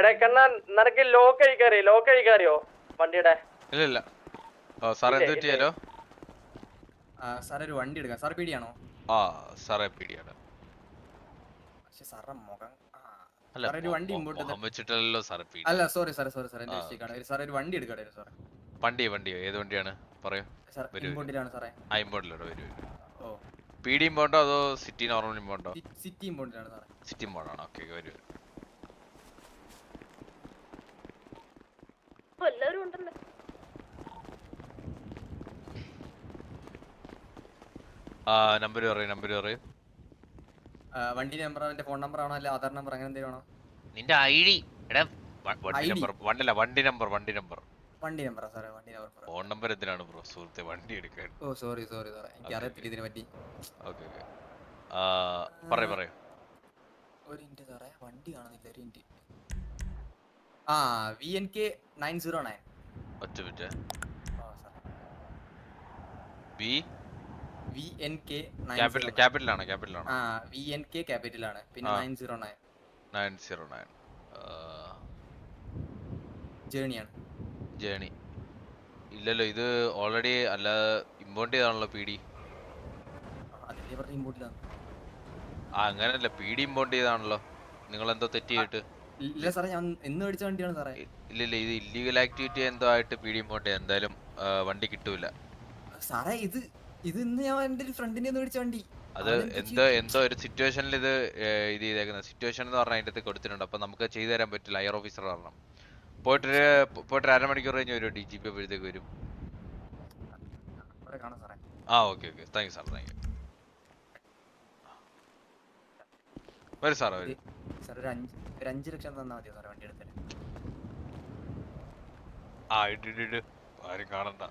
നിനക്ക് ലോക്ക് അഴിക്കാറിയോ വണ്ടിയുടെ? ഇല്ല. സാർ എന്ത് പറ്റിയാലോ? സാർ ഒരു വണ്ടി എടുക്കാം. സാർ പീടിയാണോ? ആ സാറേ പീടിയാണ്. സാറിന്റെ മുഖം ഒരു വണ്ടി വെച്ചിട്ടല്ലോ സാർ. അല്ല സോറി സാർ എന്റെ മിസ്റ്റേക്കാണ്. സാർ ഒരു വണ്ടി എടുക്കട്ടെ സാറേ. വണ്ടിയോ? ഏത് വണ്ടിയാണ് പറയൂ. ഇമ്പോർട്ടിലാണ് സാറേ. ഇമ്പോർട്ടിലോ വരൂ. ഓ പീഡി ഇമ്പോണ്ടോ അതോ സിറ്റി നോർമൽ ഇമ്പോണ്ടോ? സിറ്റി ഇമ്പോർട്ടിലാണ് സാറേ. സിറ്റി ഇമ്പോണ്ടാണ്. ഓക്കെ വരൂ. നമ്പർ പറയൂ. വണ്ടി നമ്പർ എന്റെ ഫോൺ നമ്പർ ആണോ അല്ല ആധാർ നമ്പർ അങ്ങനെ എന്തെങ്കിലും ആണോ? നിന്റെ ഐഡി വണ്ടി നമ്പർ വണ്ടി നമ്പറാ സാറേ. വണ്ടി നമ്പർ. ഫോൺ നമ്പർ എന്തിനാണ് ബ്രോ സുഹൃത്തെ വണ്ടി എടുക്കാൻ? ഓ സോറി സാറേ എനിക്ക് അറിയത്തില്ല ഇതിനെ പറ്റി. ഓക്കെ പറയൂ. ഒരു മിനിറ്റ് സാറേ വണ്ടി കാണുന്നില്ല. ഒരു മിനിറ്റ്. VNK 909. ഒറ്റ മിനിറ്റ്. VNK ക്യാപിറ്റലാണ്. VNK ക്യാപിറ്റലാണ്. പിന്നെ 909 ജേണിയാണ്. ഇല്ലല്ലോ ഇത് ഓൾറെഡി അല്ല ഇമ്പോർട്ട് ചെയ്താണല്ലോ പീഡി. അങ്ങനല്ല പീഡി ഇമ്പോർട്ട് ചെയ്താണല്ലോ. നിങ്ങൾ എന്തോ തെറ്റ് ചെയ്തിട്ട്? ഇല്ല സാറേ ഞാൻ എന്ന് മേടിച്ച വണ്ടിയാണ് സാറേ. ഇല്ല ഇത് ഇല്ലീഗൽ ആക്ടിവിറ്റി എന്തോ ആയിട്ട് പീഡി ഇമ്പോർട്ട് ചെയ്യാൻ എന്തായാലും വണ്ടി കിട്ടൂല സാറേ. ഇത് ഇന്ന് ഞാൻ എന്റെ ഒരു ഫ്രണ്ടിനെ മേടിച്ച വണ്ടി. അത് എന്തോ ഒരു സിറ്റുവേഷനിൽ ഇത് ചെയ്തേക്കുന്നത്. സിറ്റുവേഷൻ എന്ന് പറഞ്ഞാൽ അതിന്റെ കൊടുത്തിട്ടുണ്ട്. അപ്പൊ നമുക്ക് ചെയ്തു തരാൻ പറ്റില്ല. ഹയർ ഓഫീസർ കാരണം പോയിട്ട് അരമണിക്കൂർ കഴിഞ്ഞ് വരും. DGP അപ്പോഴത്തേക്ക് വരും. Okay thank you sir. വരും സാർ വരും. ഒരു 5 ലക്ഷം തന്നാ മതിയോ സാറേ വണ്ടി എടുത്തിട്ട്? ഇട് ആരും കാണണ്ട.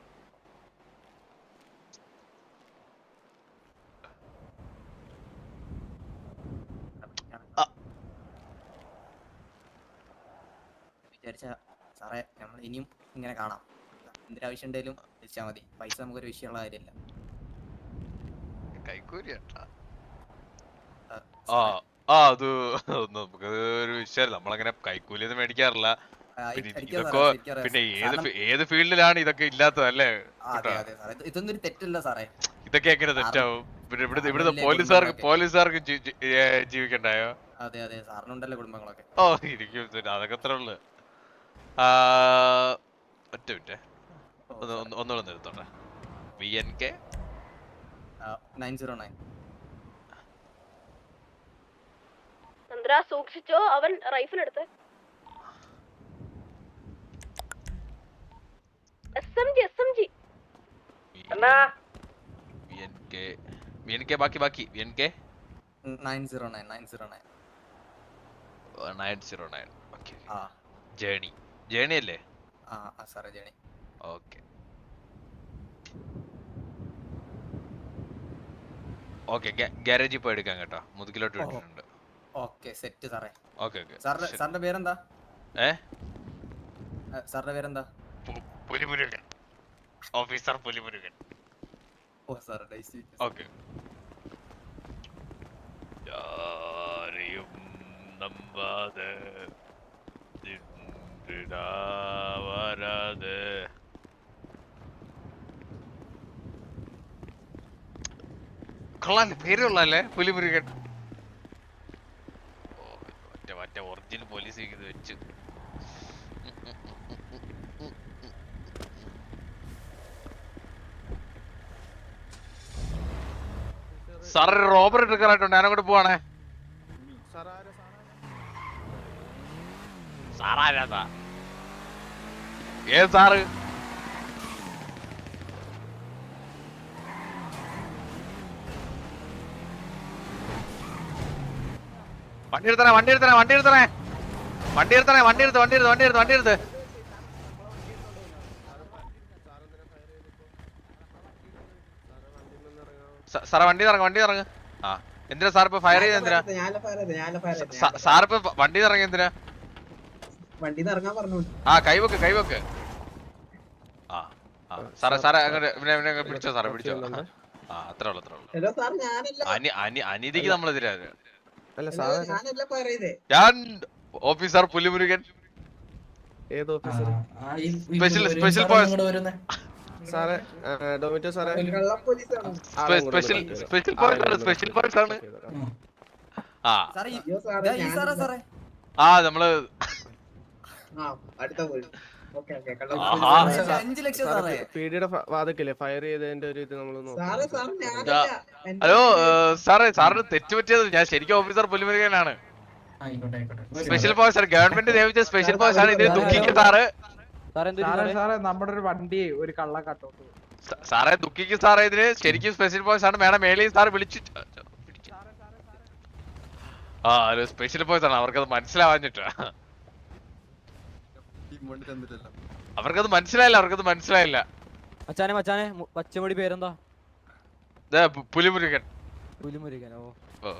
വിചാരിച്ച സാറേ നമ്മൾ ഇനിയും ഇങ്ങനെ കാണാം. എന്തൊരാവശ്യം ഉണ്ടെങ്കിലും വിളിച്ചാൽ മതി. പൈസ നമുക്കൊരു വിഷയമുള്ള കാര്യമല്ല. അത് നമുക്കൊരു വിഷയമല്ല. നമ്മളങ്ങനെ കൈക്കൂലിയൊന്നും മേടിക്കാറില്ല. പിന്നെ ഏത് ഫീൽഡിലാണ് ഇതൊക്കെ ഇല്ലാത്തതല്ലേ? ഇതൊന്നും ഒരു തെറ്റല്ല സാറേ. ഇതൊക്കെ എങ്ങനെ തെറ്റാവും? പിന്നെ ഇവിടുത്തെ പോലീസുകാർക്ക് ജീവിക്കണ്ടായോ? അതെ സാറിനുണ്ടല്ലോ കുടുംബങ്ങളൊക്കെ. ഇരിക്കും അതൊക്കെ അത്ര ഉള്ളു. ഒറ്റ മിനിറ്റ് ഒന്നുകൂടെ നിർത്തോട്ടെ. VNK 909. സൂക്ഷിച്ചോ അവൻ റൈഫിൾ എടുത്ത്. SMG VNK ബാക്കി VNK 909. ഓക്കേ. ജേണി അല്ലേ? സാറേ ജേണി. ഓക്കെ ഗാരേജിൽ പോയി എടുക്കാം കേട്ടോ. മുതുകിലോട്ട് വിട്ടിട്ടുണ്ട്. ഓക്കെ സെറ്റ് സാറേ. ഓക്കെ സാറിന്റെ പേരെന്താ? സാറിന്റെ പേരെന്താ? പുലിമുരുകൻ. ഓഫീസർ പുലിമുരുകൻ. ഓ സാർ നൈസ്. ഓക്കെ ആരെയും നമ്പാതെ വരാതെ കൊള്ളാല്ലേ? പേരുള്ളല്ലേ പുലിമുരുകൻ? മറ്റേ ഒറിജിനൽ പോലീസ് വെച്ച് സാർ റോബർ എടുക്കാനായിട്ടുണ്ട്. ഞാനങ്ങോട്ട് പോവാണേ. സാറാരാ? ഏത് സാറ്? വണ്ടി എടുത്തേ. സാറേ വണ്ടി ഇറങ്ങ്. എന്തിനാ സാർ ഇപ്പൊ ഫയർ ചെയ്ത്? എന്തിനാ സാർ ഇപ്പൊ വണ്ടി ഇറങ്ങി? എന്തിനാ? കൈവെക്ക്. സാറേ അങ്ങനെ പിടിച്ചോ. അത്രേ ഉള്ളു. അനീതിക്ക് നമ്മളെതിരാ. ഞാൻ ഓഫീസർ പുലിമുരുകൻ. ഏത് ഓഫീസർ? സ്പെഷ്യൽ പോയിസ് സാറേ, ഡോമിറ്റോ സാറേ. സ്പെഷ്യൽ പോയിസ് ആണ്. ആ നമ്മള് 5 ലക്ഷം സാറേ. പീഡിയുടെ വാദക്കില്ലേ ഫയർ ചെയ്തതിന്റെ ഒരു ഇത് നമ്മള് നോക്കാം. ഹലോ സാറിന് തെറ്റുപറ്റിയത് ഞാൻ ശരിക്കും ഓഫീസർ പുലിമുരുകനാണ്. സ്പെഷ്യൽ ഫോഴ്സ് ഗവൺമെന്റ് നിയമിച്ച സ്പെഷ്യൽ ഫോഴ്സ് ആണ്. ഇതിന് ദുഃഖിക്കും സാറ്. നമ്മുടെ ഒരു വണ്ടി ഒരു കള്ള കട്ടോട്ട് സാറേ ദുഃഖിക്കും സാറേ. ഇതിന് ശരിക്കും സ്പെഷ്യൽ ഫോഴ്സ് ആണ്. മേഡം മേളിൽ സാർ വിളിച്ചു. ആ ഒരു സ്പെഷ്യൽ ഫോഴ്സ് ആണ്. അവർക്കത് മനസ്സിലാവാഞ്ഞിട്ടാ. അവർക്കത് മനസ്സിലായില്ല. മച്ചാനെ പച്ചമുടി പേരെന്താ? പുലിമുരുകൻ. ഓ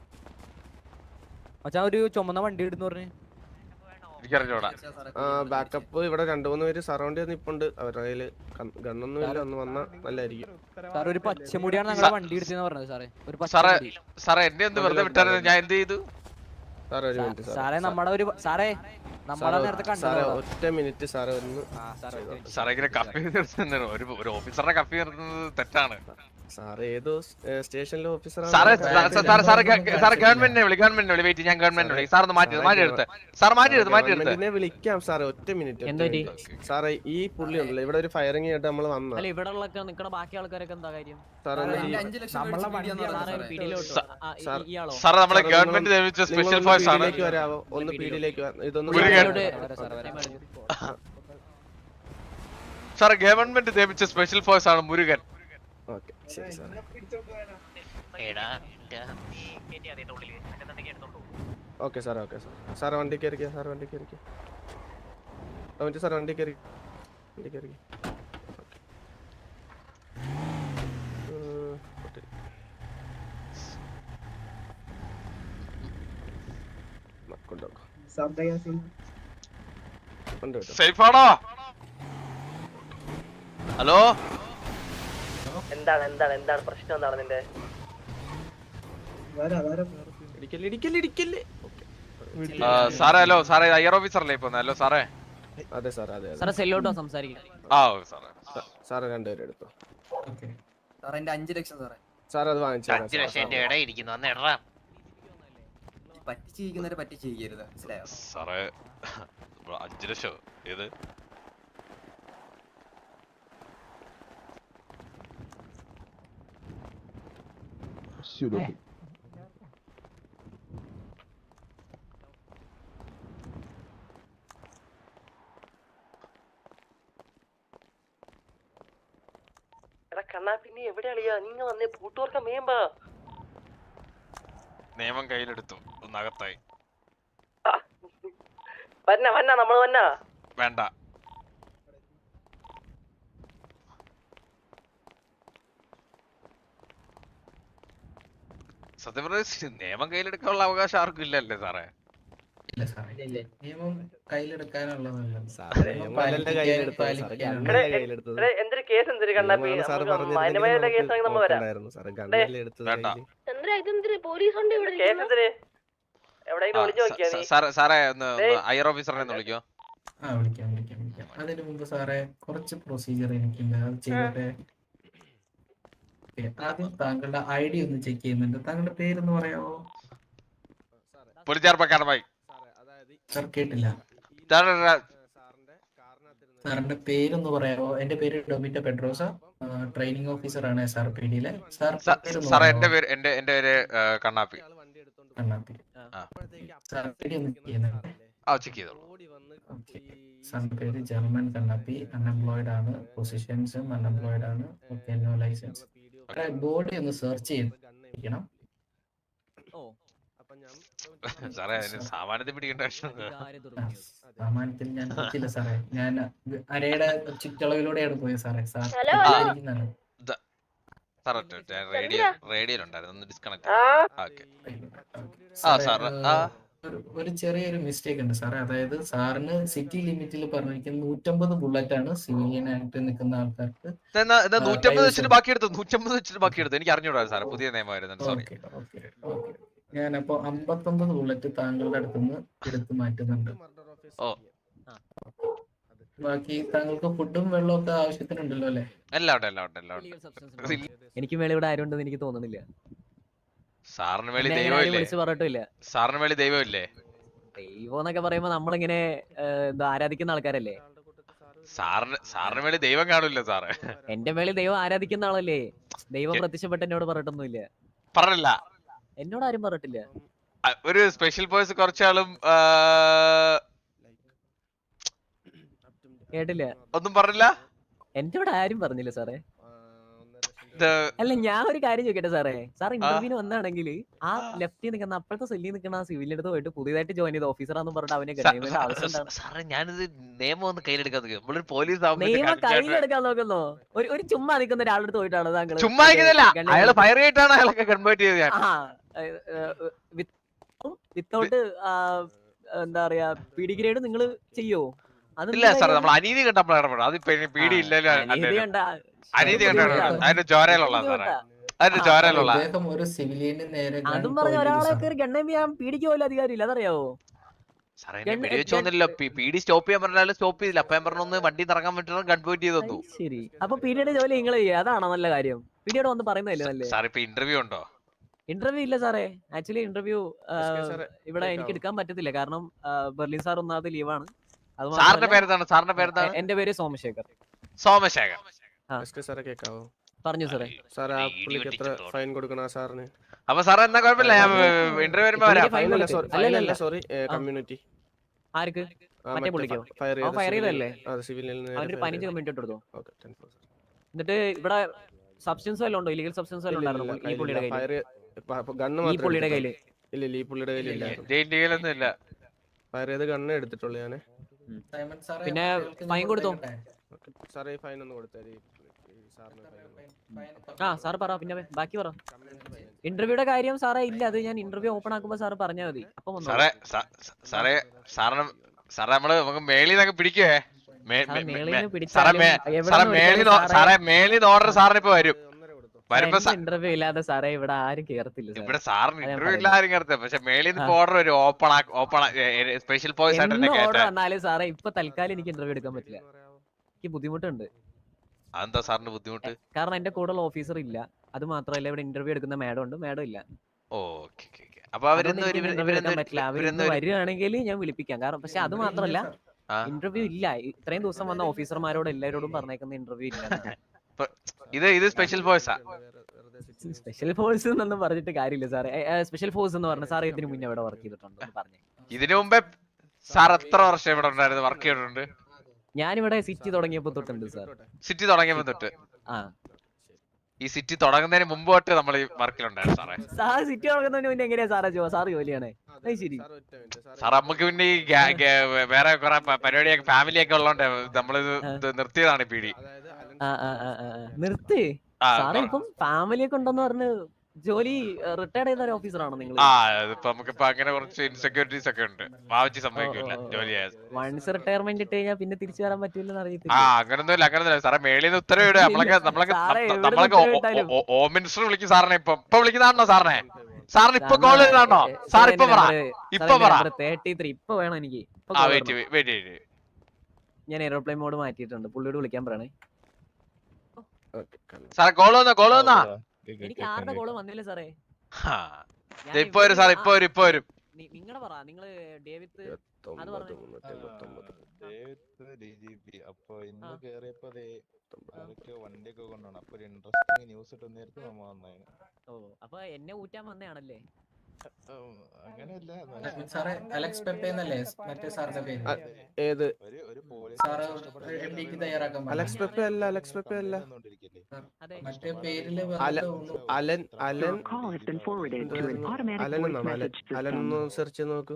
മച്ചാൻ ഒരു ചുമന്ന വണ്ടി ഇടുന്നു പറഞ്ഞു. എനിക്കറിഞ്ഞോടാ. ബാക്കപ്പ് ഇവിടെ 2-3 പേര് സറൗണ്ട് ചെയ്ത് നിപ്പുണ്ട്. അവരുടെ കയ്യില് ഗണ്ണൊന്നും ഇല്ല. ഒന്ന് വന്നാ നല്ലായിരിക്കും. സാർ ഒരു പച്ചമുടിയാണ് ഞങ്ങളുടെ വണ്ടി ഇടിച്ചെന്ന് പറഞ്ഞത് സാറേ. സാറേ എന്നെ ഒന്ന് വെറുതെ വിട്ടായിരുന്നു. ഞാൻ എന്ത് ചെയ്തു സാറേ? ഒരു മിനിറ്റ് സാറേ നമ്മുടെ ഒരു സാറേ നമ്മളെ നേരത്തെ സാറേ, ഒറ്റ മിനിറ്റ് സാറേ ഒന്ന്. സാറേ ഇങ്ങനെ കപ്പി നിർത്തുന്നത് ഒരു ഓഫീസറെ കപ്പി നിർത്തുന്നത് തെറ്റാണ് സാറേ. ഏതോ സ്റ്റേഷനിലെ ഓഫീസറാണ് സാറേ. ഗവൺമെന്റിനെ വിളി. വെയിറ്റ്, ഞാൻ ഗവൺമെന്റിനെ വിളി. സാർ ഒന്ന് മാറ്റിയെടുത്ത്. വിളിക്കാം സാറേ. ഒറ്റ മിനിറ്റ് സാറേ. ഈ പുള്ളി ഉണ്ടല്ലോ ഇവിടെ ഒരു ഫയറിംഗ് ആയിട്ട് നമ്മള് വന്നു. ഇവിടെ നിക്കണ ബാക്കി ആൾക്കാരൊക്കെ എന്താ കാര്യം? സാറേ നമ്മളെ ഗവൺമെന്റ് നിയമിച്ച സ്പെഷ്യൽ ഫോഴ്സ് ആണ്. വരാവോ? ഒന്ന് പീഡിയിലേക്ക് ഇതൊന്നും സാറേ ഗവൺമെന്റ് നിയമിച്ച സ്പെഷ്യൽ ഫോഴ്സ് ആണ് മുരുകൻ. ഓക്കെ ശരി സാറേ. ഓക്കെ സാറേ. സാറേ വണ്ടി കയറിക്കോ. സാർ വണ്ടി കയറിക്കോ. സാർ വണ്ടി കയറി. സേഫാണോ? ഹലോ എന്താണ് പ്രശ്നം? എന്താണ് നിന്റെ? സാറേ ഹലോ സാറേ ഐആർ ഓഫീസറല്ലേ ഇപ്പൊ? ഹലോ സാറേ. അതെ സാറേ. അതെ സാറേ സെല്ലോട്ടോ സംസാരിക്കാം. സാറേ 2 പേര് എടുത്തു. സാറേ എന്റെ 5 ലക്ഷം സാറേ. സാർ അത് വാങ്ങിച്ചു. പറ്റിച്ചിരിക്കുന്നവരെ പറ്റിച്ചിരിക്കരുത്, മനസ്സിലായോ സാറേ? 5 ലക്ഷം ഏത്? കണ്ണാ പിന്നെ എവിടെ അളിയാ? നീങ്ങ വന്നേ പൂട്ടുവർക്കം വേമ്പാ. നിയമം കയ്യിലെടുത്തു. ഒന്നകത്തായി. വന്ന നമ്മള് വന്ന വേണ്ട. സത്യം പറഞ്ഞ നിയമം കയ്യിലെടുക്കാനുള്ള അവകാശം ആർക്കും ഇല്ലല്ലേ സാറേ? നിയമം കയ്യിലെടുക്കാനുള്ളതല്ല. എന്തൊരു കേസ് എന്തൊരു കണ്ണാപ്പി? മാന്യമായുള്ള കേസാണെങ്കിൽ നമ്മൾ വരാം. പോലീസ് ഉണ്ട് ഇവിടെ. കേസ് എന്തിന്? എവിടെയെങ്കിലും വിളിച്ചു നോക്കിയാ നീ? സാറേ ഒന്ന് ഐആർ ഓഫീസറിനെ ഒന്ന് വിളിക്കോ. വിളിക്കാം. അതിന് മുമ്പ് സാറേ കുറച്ച് പ്രൊസീജിയർ എനിക്കില്ല, അത് ചെയ്യട്ടെ. ആദ്യം താങ്കളുടെ ID ഒന്ന് ചെക്ക് ചെയ്യുന്നുണ്ട്. താങ്കളുടെ പേരൊന്ന് പറയാമോ? സാർ കേട്ടില്ല. സാറിന്റെ പേരൊന്ന് പറയാമോ? എന്റെ പേര് ഡൊമിറ്റോ പെഡ്രോസ, ട്രെയിനിങ് ഓഫീസർ ആണ് SRPDയിലെ. സാർ എന്റെ പേര് കണ്ണാപ്പി. സാറിന്റെ പേര് ജർമ്മൻ കണ്ണാപ്പി. അൺഎംപ്ലോയിഡ് ആണ്. പൊസിഷൻസും അൺഎംപ്ലോയിഡ് ആണ്. Okay, no license. ബോഡി ഒന്ന് സെർച്ച് ചെയ്യണം. സാമാന്യത്തിൽ ഞാൻ പറ്റില്ല സാറേ. ഞാൻ അരയുടെ ചുറ്റളവിലൂടെയാണ് പോയത് സാറേ. ഒരു ചെറിയൊരു മിസ്റ്റേക്ക് ഉണ്ട് സാറേ. അതായത് സാറിന് സിറ്റി ലിമിറ്റിൽ പറഞ്ഞിരിക്കുന്നത് 150 ബുള്ളറ്റ് ആണ് സിവിലിയൻ ആയിട്ട് നിൽക്കുന്ന ആൾക്കാർക്ക്. 150 വെച്ചിട്ട് ബാക്കി എടുത്തു. എനിക്ക് അറിഞ്ഞൂടാ സാറേ, പുതിയ നിയമമായിരുന്നു. സോറി. ഞാനപ്പോ 59 ബുള്ളറ്റ് താങ്കളുടെ അടുത്തുനിന്ന് എടുത്തു മാറ്റുന്നുണ്ട്. ഓ. ബാക്കി താങ്കൾക്ക് ഫുഡും വെള്ളവും ഒക്കെ ആവശ്യത്തിനുണ്ടല്ലോ അല്ലേ? എല്ലാം ഉണ്ട്. എനിക്ക് മേലെ ഇവിടെ ആരും ഉണ്ടെന്ന് എനിക്ക് തോന്നുന്നില്ല. സാറിന് മേളി എന്നെ അങ്ങനെ ആരും ദൈവമില്ലേ? വിളിച്ച് പറഞ്ഞിട്ടില്ല. സാറിന് മേളി ദൈവമില്ലേ? ദൈവം എന്നൊക്കെ പറയുമ്പോ നമ്മളിങ്ങനെ എന്താ ആരാധിക്കുന്ന ആൾക്കാരല്ലേ. സാറിന് മേളി ദൈവം കാണില്ല സാറ്. എന്റെ മേളിൽ ദൈവം ആരാധിക്കുന്ന ആളല്ലേ. ദൈവം പ്രത്യക്ഷപ്പെട്ട് എന്നോട് പറഞ്ഞിട്ടൊന്നുമില്ല. പറഞ്ഞില്ല? എന്നോട് ആരും പറഞ്ഞിട്ടില്ല. ഒരു സ്പെഷ്യൽ ബോയ്സ് കുറച്ചാളും കേട്ടില്ല. ഒന്നും പറഞ്ഞില്ല? എന്റെ ഇവിടെ ആരും പറഞ്ഞില്ല സാറേ. അല്ല ഞാൻ ഒരു കാര്യം ചോദിക്കട്ടെ സാറേ. സാർ ഇന്റർവ്യൂവിന് വന്നാണെങ്കിൽ ആ ലെഫ്റ്റിൽ നിൽക്കുന്ന അപ്പോഴത്തെ സെല്ലിൽ നിൽക്കുന്ന ആ സിവിലിന്റെ അടുത്ത് പോയിട്ട് പുതിയതായിട്ട് ജോയിൻ ചെയ്ത ഓഫീസറാന്ന് പറഞ്ഞിട്ട് അവനെ ഗണ്ണിയുടെ ആവശ്യം എന്താണ്? സാറേ ഞാനിത് നിയമം ഒന്ന് കയ്യിലെടുക്കാൻ നമ്മളൊരു പോലീസ് നിയമം കയ്യിലെടുക്കാൻ നോക്കുന്നോ? ഒരു ചുമ്മാ നിൽക്കുന്ന ഒരാളുടെ അടുത്ത് പോയിട്ടാണ് താങ്കൾ ചുമ്മാ അയാള് ഫയർ ചെയ്തിട്ടാണ് അയാളൊക്കെ കൺവേർട്ട് ചെയ്തത് ഞാൻ. വിത്തൗട്ട് എന്താ പറയാ പീഡി ഗ്രേഡ് നിങ്ങൾ ചെയ്യോ? ഇല്ല സാറേ നമ്മൾ അനീതി കണ്ട നമ്മൾ ഇടപെടും. അത് പീഡി ഇല്ലല്ലോ. അനീതി കണ്ട അതിന്റെ ചോരയിലുള്ള സാറേ, അതിന്റെ ചോരയിലുള്ള. ഇദ്ദേഹം ഒരു സിവിലിയന് നേരെ അതും പറഞ്ഞ ഒരാളെ കയറി ഗണ്ണം ചെയ്യാൻ പീഡിക്ക് പോലും അധികാരമില്ല, അതറിയാവോ? സാറേ പീഡി വെച്ചോന്നില്ല. പീഡി സ്റ്റോപ്പ് ചെയ്യാൻ പറഞ്ഞാലും സ്റ്റോപ്പ് ചെയ്തില്ല. അപ്പൊ ഞാൻ പറഞ്ഞൊന്ന് വണ്ടി ഇറങ്ങാൻ പറ്റുന്ന കൺവേർട്ട് ചെയ്തു തന്നു. ശരി, അപ്പൊ പീഡിയുടെ ജോലി നിങ്ങൾ ചെയ്യുക, അതാണോ നല്ല കാര്യം? പീഡിയോട് വന്ന് പറയുന്നതല്ലേ നല്ലേ? സാർ ഇപ്പൊ ഇന്റർവ്യൂ ഉണ്ടോ? ഇന്റർവ്യൂ ഇല്ല സാറേ. ആക്ച്വലി ഇന്റർവ്യൂ ഇവിടെ എനിക്ക് എടുക്കാൻ പറ്റത്തില്ല, കാരണം ബെർലിൻ സാർ ഒന്നാമത് ലീവാണ്. സാറിന്റെ പേരെന്താണ്? സാറിന്റെ പേരെന്താണ്? എന്റെ പേര് സോമശേഖർ. സോമശേഖർ സാറേ കേക്കാവോ? പറഞ്ഞു സാറേ. സാർ ആ പുള്ളിക്ക് എത്ര ഫൈൻ കൊടുക്കണം സാറിന്? അപ്പൊ സാർ എന്നാ കുഴപ്പമില്ല, ഞാൻ ഇന്റർവ്യൂ വരുമ്പോ വരാം. സോറി കമ്മ്യൂണിറ്റി ആർക്ക്? മറ്റേ പുള്ളിക്കോ? ഫയർ ചെയ്തല്ലേ? അവനൊരു 15 കമ്മ്യൂണിറ്റി ഇട്ട് കൊടുത്തോ. എന്നിട്ട് ഇവിടെ സബ്സ്റ്റൻസ് വല്ലതും ഉണ്ടോ? ഇല്ലീഗൽ സബ്സ്റ്റൻസ് വല്ലതും ഉണ്ടായിരുന്നു ഈ പുള്ളിയുടെ കയ്യിൽ? ഈ പുള്ളിയുടെ കയ്യില് ഇല്ല, ഈ പുള്ളിയുടെ കയ്യിലില്ല. ഫയർ ചെയ്ത് ഗണ്ണ് എടുത്തിട്ടുള്ളൂ ഞാന്. പിന്നെ ഫൈൻ കൊടുത്തോ? സാറേ ഫൈൻ ഒന്ന് കൊടുത്തേ. ആ സാർ പറ, പിന്നെ ബാക്കി പറ. ഇന്റർവ്യൂയുടെ കാര്യം സാറേ ഇല്ല, അത് ഞാൻ ഇന്റർവ്യൂ ഓപ്പൺ ആക്കുമ്പോ സാറ് പറഞ്ഞാൽ മതി. അപ്പൊ സാറേ നമ്മള് നമുക്ക് മേളിൽ നിന്നൊക്കെ പിടിക്കുവേ. മേളിൽ ഓർഡർ സാറിന് ഇപ്പൊ വരും. ഇന്റർവ്യൂ ഇല്ലാതെ സാറേ ഇവിടെ ആരും കേറത്തില്ല. ഇവിടെ സാറിന് ഇന്റർവ്യൂ ഇല്ല ആരും കേറത്തില്ല. പക്ഷെ മേളിൽ നിന്ന് ഓർഡർ വരും. ഓപ്പൺ സ്പെഷ്യൽ ബോയ്സ് ഓർഡർ വന്നാലും സാറേ ഇപ്പൊ തൽക്കാലം എനിക്ക് ഇന്റർവ്യൂ എടുക്കാൻ പറ്റില്ല, എനിക്ക് ബുദ്ധിമുട്ടുണ്ട്. അതെന്താ സാറിന് ബുദ്ധിമുട്ട്? കാരണം എന്റെ കൂടെയുള്ള ഓഫീസർ ഇല്ല. അത് മാത്രമല്ല ഇവിടെ ഇന്റർവ്യൂ എടുക്കുന്ന മാഡം ഉണ്ട്, മാഡം ഇല്ല. അപ്പൊ വരികയാണെങ്കിൽ ഞാൻ വിളിപ്പിക്കാം. കാരണം പക്ഷെ അത് മാത്രമല്ല ഇന്റർവ്യൂ ഇല്ല. ഇത്രയും ദിവസം വന്ന ഓഫീസർമാരോട് എല്ലാവരോടും പറഞ്ഞേക്കുന്ന ഇന്റർവ്യൂ ഇല്ല. ഇത് സ്പെഷ്യൽ ഫോഴ്സാ. സ്പെഷ്യൽ ഫോഴ്സ് എന്നൊന്നും പറഞ്ഞിട്ട് കാര്യമില്ല സാറേ. സ്പെഷ്യൽ ഫോഴ്സ് എന്ന് പറഞ്ഞ സാർ ഇതിന് മുന്നേ ഇവിടെ വർക്ക് ചെയ്തിട്ടുണ്ട് പറഞ്ഞു. ഇതിനു മുമ്പേ സാർ എത്ര വർഷം ഇവിടെ ഉണ്ടായിരുന്നു, വർക്ക് ചെയ്തിട്ടുണ്ട്? ഞാനിവിടെ സിറ്റി തുടങ്ങിയപ്പോ തൊട്ടുണ്ട് സാർ. സിറ്റി തുടങ്ങിയപ്പോ തൊട്ട്? ഈ സിറ്റി തുടങ്ങുന്നതിന് മുമ്പ് തൊട്ട് നമ്മൾ ഈ വർക്കിലുണ്ടായിരുന്നു സാറേ. സാർ സിറ്റി തുടങ്ങുന്നതിന് മുന്നേ എങ്ങനെയാ സാറേ സാർ ജോലിയാണ്? ശരി സാർ, നമുക്ക് പിന്നെ ഈ വേറെ കുറെ പരിപാടിയൊക്കെ ഫാമിലിയൊക്കെ ഉള്ളതുകൊണ്ട് നമ്മളിത് നിർത്തിയതാണ് ഈ പീഡി. നിർത്തി സാറേ. ഇപ്പം ഫാമിലിയൊക്കെ ഉണ്ടെന്ന് പറഞ്ഞ് ജോലി റിട്ടയർഡ് ചെയ്ത ഒരു ഓഫീസറാണോ നിങ്ങൾ? നമുക്കിപ്പോ അങ്ങനെ കുറച്ച് ഇൻസെക്യൂരിറ്റീസ് ഒക്കെ ഉണ്ട്. ഭാവിച്ച് സംഭവിക്കില്ല ജോലി. വൺസ് റിട്ടയർമെന്റ് ഇട്ട് കഴിഞ്ഞാൽ പിന്നെ തിരിച്ചു വരാൻ പറ്റില്ലെന്ന് അറിയത്തില്ല. അങ്ങനൊന്നുമില്ല സാറേ. മേളിൽ നിന്ന് ഉത്തരവിട്. നമ്മളൊക്കെ ഹോം മിനിസ്റ്റർ വിളിക്കും സാറിനെ. ഇപ്പൊ വിളിക്കുന്നതാണോ സാറിനെ? സാറിന് ഇപ്പൊ കോൾ ചെയ്താണോ? സാർ ഇപ്പൊ പറ. ഇപ്പൊ 33 ഇപ്പൊ വേണം എനിക്ക്. ഞാൻ എയർപ്ലെയിൻ മോഡ് മാറ്റിയിട്ടുണ്ട്. പുള്ളിയോട് വിളിക്കാൻ പറയണേ. സാറേ കോൾ വന്നാ? എനിക്ക് ആരുടെ കോള് വന്നില്ല സാറേ. ഇപ്പൊ വരും സാർ, ഇപ്പൊ വരും. നിങ്ങളുടെ പറ, നിങ്ങള് ഡേവിഡ് അത് പറഞ്ഞു. അപ്പൊ ഇന്ന് കേറിയപ്പോ വണ്ടിയൊക്കെ കൊണ്ടാണ്. അപ്പൊ ഒരു ഇൻട്രസ്റ്റിംഗ് ന്യൂസ് ഇട്ട് നേരത്തെ നമ്മ വന്നായിരുന്നു. ഓ, അപ്പൊ എന്നെ ഊറ്റാൻ വന്നയാണല്ലേ? അങ്ങനെയല്ല സാറേ. അലക്സ് പെപ്പെ എന്നല്ലേ മറ്റേ സാറിന്റെ പേര്? ഏത് സാറ് എംഡിക്ക് തയ്യാറാക്കാൻ പറഞ്ഞു. അലക്സ് പെപ്പെ അല്ല, അലക്സ് പെപ്പെ അല്ല. മറ്റേ പേരില് അലൻ ഒന്ന് സെർച്ച് നോക്കൂ.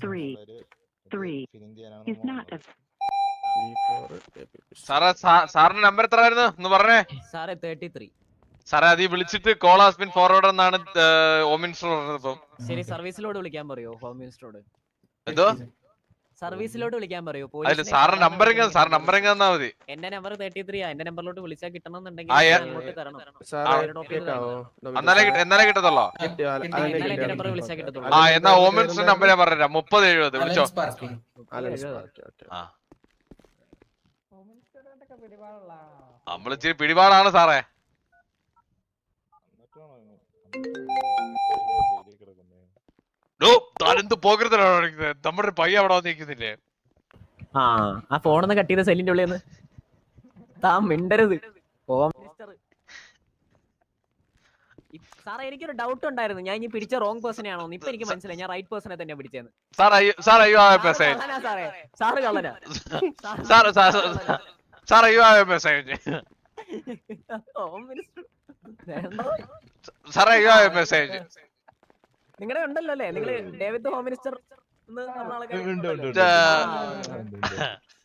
സാറിന്റെ നമ്പർ എത്ര ആയിരുന്നു ഒന്ന് പറഞ്ഞേ? സാറേ 33. സാറേ അത് വിളിച്ചിട്ട് കോൾ ഹാസ് ബീൻ ഫോർവേഡ് എന്നാണ് ഹോം മിനിസ്റ്റർ പറഞ്ഞത്. ഇപ്പം ശരി, സർവീസിലോട് വിളിക്കാൻ പറയോ ഹോം മിനിസ്റ്ററോട്? എന്തോ സർവീസിലോട്ട് വിളിക്കാൻ പറയൂ. അതില് സാറിന്റെ നമ്പറിങ് തന്നാ മതി. എന്റെ നമ്പർ 33 എന്റെ നമ്പറിലോട്ട് വിളിച്ചാൽ കിട്ടണമെന്നുണ്ടെങ്കിൽ ആ, അങ്ങോട്ട് തരണം. എന്നാലേ കിട്ടത്തുള്ളോ? എന്റെ നമ്പർ വിളിച്ചാൽ കിട്ടത്തുള്ളൂ. ആ എന്നാ ഓമൻസിന്റെ നമ്പർ ഞാൻ പറഞ്ഞുതരാം. 3070 വിളിച്ചോ. നമ്മളിച്ചിരി പിടിപാടാണ് സാറേ. താനെന്ത് പോകരുതലാണ് നമ്മുടെ പയ്യ അവിടെ വന്നിരിക്കുന്നില്ലേ? ആ ഫോണൊന്ന് കട്ട് ചെയ്ത് സെല്ലിന്റെ ഉള്ളിൽ നിന്ന് താൻ മിണ്ടരുത്. ഹോം മിനിസ്റ്റർ സാറേ എനിക്കൊരു ഡൗട്ട് ഉണ്ടായിരുന്നു. ഞാൻ ഇനി പിടിച്ച റോങ് പേഴ്സണെ ആണോ? ഇപ്പൊ എനിക്ക് മനസ്സിലായി ഞാൻ റൈറ്റ് പേഴ്സണെ തന്നെ പിടിച്ചേന്ന്. സാറേ സാറേ സാറ് കള്ളനാ. ഹോം മിനിസ്റ്റർ നിങ്ങളുടെ ഉണ്ടല്ലോ അല്ലേ? നിങ്ങള് ഡേവിഡ് ഹോം മിനിസ്റ്റർ